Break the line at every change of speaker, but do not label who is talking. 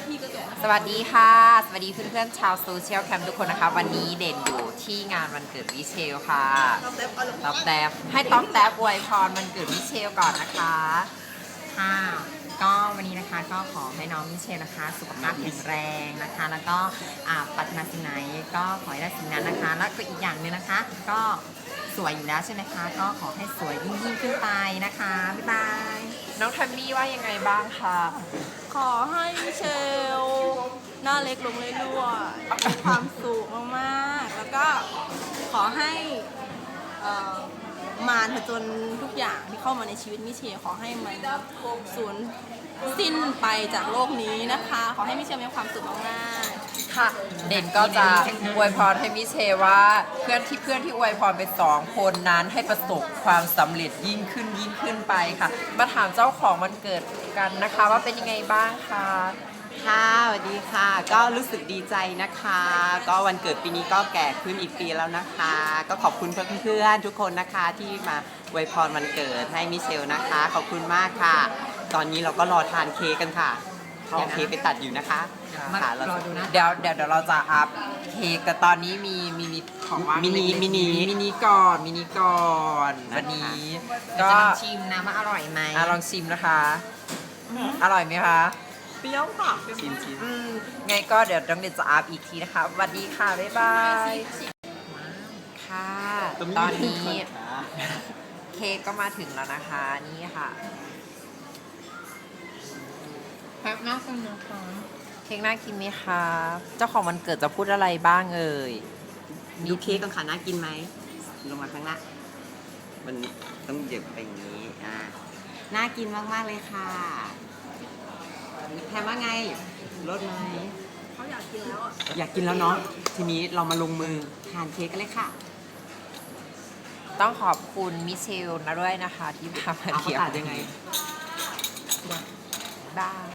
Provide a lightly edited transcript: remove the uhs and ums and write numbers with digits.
สวัสดีค่ะ สวัสดีเพื่อนๆชาวโซเชียลแคมป์ทุกคนนะคะ วันนี้เด่นอยู่ที่งานวันเกิดวิเชลค่ะต๊อบแต๊บให้ต๊อบแต๊บอวยพรวันเกิดวิเชลก่อนนะคะ
ค่ะก็วันนี้นะคะก็ขอให้น้องมิเชลนะคะสุขภาพแข็งแรงนะคะแล้วก็ปรารถนาสิ่งไหนก็ขอให้ได้สิ่งนั้นนะคะแล้วก็อีกอย่างหนึ่งนะคะก็สวยอยู่แล้วใช่ไหมคะก็ขอให้สวยยิ่งขึ้นไปนะคะบ๊ายบาย
น้องทัมมี่ว่ายังไงบ้างคะ
ขอให้มิเชลหน้าเล็กลงเรื่อยๆมีความสุขมากๆแล้วก็ขอให้มารผจญทุกอย่างที่เข้ามาในชีวิตมิเชลขอให้มันสูญสิ้นไปจากโลกนี้นะคะ ขอให้มิเชลมีความสุขมากๆ
ค่ะเด่นก็จะอวยพรให้มิเชลว่าเพื่อนที่อวยพรไป2 คนนั้นให้ประสบความสำเร็จยิ่งขึ้นไปค่ะมาถามเจ้าของวันเกิดกันนะคะว่าเป็นยังไงบ้างคะ
ค่ะสวัสดีค่ะก็รู้สึกดีใจนะคะก็วันเกิดปีนี้ก็แก่ขึ้นอีกปีแล้วนะคะก็ขอบคุณเพื่อนๆทุกคนนะคะที่มาอวยพรวันเกิดให้มิเชลนะคะขอบคุณมากค่ะ ตอนนี้เราก็รอทานเค้กกันค่ะเอาเค้กไปตัดอยู่นะคะค่ะ
รอดูนะ
เดี๋ยวเราจะอัพเค้กแต่ตอนนี้มีของว่าง
มิ
นิก่อนวันนี้
ก็
ก็
จะลองชิมนะว่าอร่อยไหม
ลองชิมนะคะอร่อยไหมคะ
เปรี้ยวค่ะชิม
ไงก็เดี๋ยวต้องเดี๋ยวจะอัพอีกทีนะคะสวัสดีค่ะบ๊ายบายค่ะตอนนี้เค้กก็มาถึงแล้วนะคะนี่ค่ะ
แพ็คมากเลยนะคะ
เค้กน่ากินไหมคะเจ้าของวันเกิดจะพูดอะไรบ้างเอ่ย
ดูเค้กกันค่ะน่ากินไหมลงมาข้างหน้ามันต้องเหยียบไปอย่างนี้น่ากินมากๆเลยค่ะแทนว่าไงรสไหม
เขาอยากกินแล้วอ่ะ
อยากกินแล้วเนาะทีนี้เรามาลงมือทานเค้กกันเลยค่ะ
ต้องขอบคุณมิเชลนะด้วยนะคะที่พามา
เอาเขา
เที่ยว
ตัดยังไง
บ้าย